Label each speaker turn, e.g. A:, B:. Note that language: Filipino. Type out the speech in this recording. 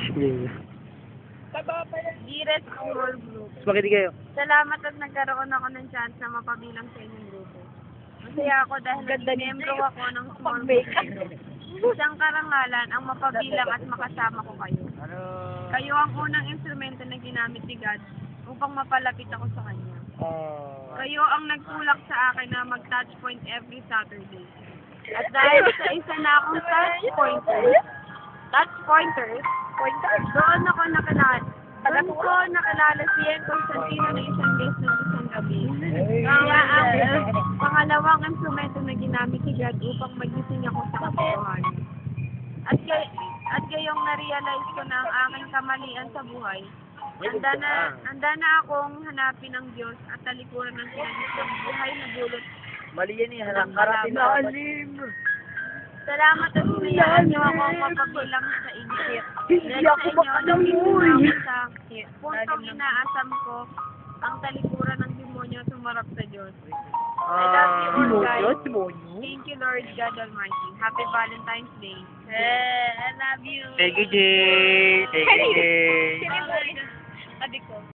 A: Yeah.
B: Gires Small Group.
A: Spaghetti kayo.
B: Salamat at nagkaroon ako ng chance na mapabilang sa inyong grupo. Masaya ako dahil naging membro ako ng small group. Isang karangalan ang mapabilang at makasama ko kayo. Kayo ang unang instrumento na ginamit ni God upang mapalapit ako sa Kanya. Kayo ang nagtulak sa akin na mag-touch point every Saturday. At dahil sa isa na akong touch pointers, doon ako nakilala si Ian Constantino na isang beses ng isang gabi. Kaya ang pangalawang instrumento na ginamit ni God upang magising ako sa katotohanan. At gayong na-realize ko na ang aking kamalian sa buhay, handa na akong hanapin ang Diyos at talikuran ng kinagis ng buhay na dulot.
A: Mali yan eh. Harap-harapin na.
B: Salamat at sinayaan niyo ako mapabilang sa inyo.
A: Hindi ako makalamoy.
B: Sa puntong inaasam ko ang talikuran ng demonyo sumarap sa Diyos. I love you all, guys. Thank you, Lord God Almighty. Happy Valentine's Day. I love you.
A: Thank you, Jay. Thank you, Jay.
B: Adik ko.